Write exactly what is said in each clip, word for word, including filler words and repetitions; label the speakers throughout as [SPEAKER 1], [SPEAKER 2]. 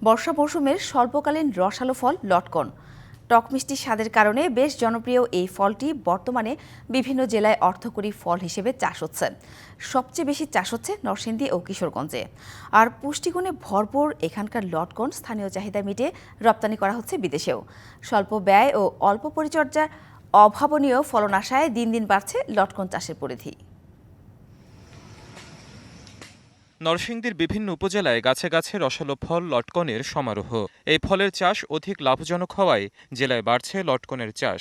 [SPEAKER 1] বর্ষা মৌসুমের স্বল্পকালীন রসালো ফল লটকন। টক মিষ্টি স্বাদের কারণে বেশ জনপ্রিয় এই ফলটি বর্তমানে বিভিন্ন জেলায় অর্থকরী ফল হিসেবে চাষ হচ্ছে। সবচেয়ে বেশি চাষ হচ্ছে নরসিংদী ও কিশোরগঞ্জে। আর পুষ্টিগুণে ভরপুর এখানকার লটকন স্থানীয় চাহিদা মিটিয়ে রপ্তানি করা হচ্ছে বিদেশেও। স্বল্প ব্যয় ও অল্প পরিচর্যার অভাবনীয় ফলন আশায় দিন দিন বাড়ছে লটকন চাষের পরিধি।
[SPEAKER 2] নরসিংদীর বিভিন্ন উপজেলায় গাছে গাছে রসালো ফল লটকনের সমারোহ। এই ফলের চাষ অধিক লাভজনক হওয়ায় জেলায় বাড়ছে লটকনের চাষ।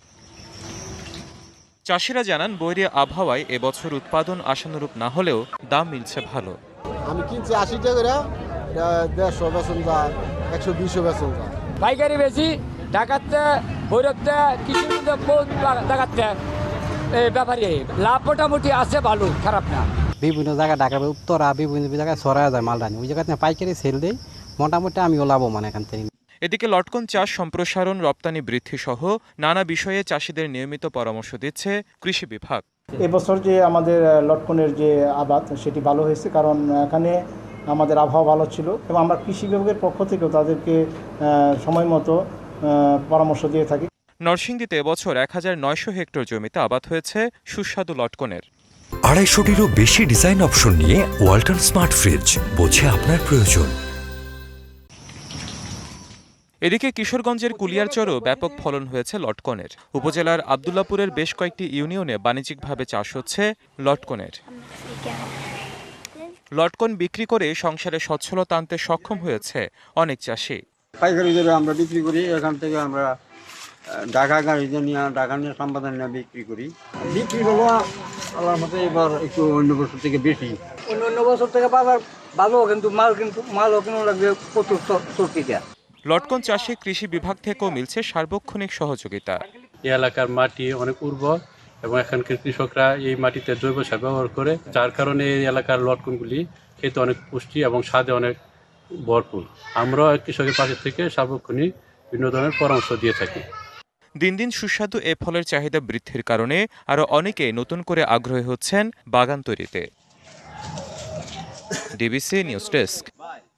[SPEAKER 2] চাষিরা জানান বৈরী আবহাওয়ায় এবছর উৎপাদন আশানুরূপ না হলেও দাম মিলছে ভালো।
[SPEAKER 3] আমি কিনছি আশি টাকা করে, দেড়শো বেতন যা, একশো বিশও বেতন যা।
[SPEAKER 4] পাইকারি বেশি ঢাকাতে ভৈরবতে কিছু দেখাতে ব্যাপারী লাভ মোটামুটি আছে, ভালো খারাপ না।
[SPEAKER 5] বিভিন্ন জায়গায় ঢাকার উত্তরা বিভিন্ন জায়গায় ছড়া যায় মালদানি, ওই জায়গাতে পাইকারি সেল দেয়, মোটামুটি আমিও লাভবান এখান থেকে।
[SPEAKER 2] এদিকে লটকন চাষ সম্প্রসারণ, রপ্তানি বৃদ্ধি সহ নানা বিষয়ে চাষিদের নিয়মিত পরামর্শ দিচ্ছে কৃষি বিভাগ।
[SPEAKER 6] এবছর যে আমাদের লটকনের যে আবাদ সেটি ভালো হয়েছে, কারণ এখানে আমাদের আবহাওয়া ভালো ছিল এবং আমরা কৃষি বিভাগের পক্ষ থেকেও তাদেরকে সময় মতো পরামর্শ দিয়ে থাকি।
[SPEAKER 2] নরসিংদীতে এবছর এক হাজার নয়শো হেক্টর জমিতে আবাদ হয়েছে সুস্বাদু লটকনের।
[SPEAKER 7] আড়াইশোটিরও বেশি ডিজাইন অপশন নিয়ে ওয়ালটন স্মার্ট ফ্রিজ, বোঝে আপনার প্রয়োজন।
[SPEAKER 2] এদিকে কিশোরগঞ্জের কুলিয়ারচরও ব্যাপক ফলন হয়েছে লটকনের। উপজেলার আব্দুল্লাপুরের বেশ কয়েকটি ইউনিয়নে বাণিজ্যিকভাবে চাষ হচ্ছে লটকনের। লটকন বিক্রি করে সংসারে সচ্ছলতা আনতে সক্ষম হয়েছে অনেক চাষি।
[SPEAKER 8] পাইকারি দরে আমরা বিক্রি করি, এখান থেকে আমরা ঢাকা গাড়িতে নিয়ে ঢাকা নিয়ে সম্পাদন নিয়ে বিক্রি করি। বিক্রি হলো আল্লাহর মতো এবার একটু অন্য বছর থেকে বেশি।
[SPEAKER 4] অন্য অন্য বছর থেকে বাজার ভালো, কিন্তু মাল কিন্তু মালও কিনো লাগবে প্রচুর চর্চিটা।
[SPEAKER 2] লটকন চাষে কৃষি বিভাগ থেকেও মিলছে সার্বক্ষণিক সহযোগিতা।
[SPEAKER 9] এই এলাকার মাটি অনেক উর্বর এবং এখানকার কৃষকরা এই মাটিতে জৈব সার ব্যবহার করে, যার কারণে এই এলাকার লটকনগুলি খেতে অনেক পুষ্টি এবং স্বাদে অনেক ভরপুর। আমরাও কৃষকের পাশে থেকে সার্বক্ষণিক বিভিন্ন ধরনের পরামর্শ দিয়ে থাকি।
[SPEAKER 2] দিন দিন সুস্বাদু এ ফলের চাহিদা বৃদ্ধির কারণে আরও অনেকে নতুন করে আগ্রহী হচ্ছেন বাগান তৈরিতে। DBC news desk.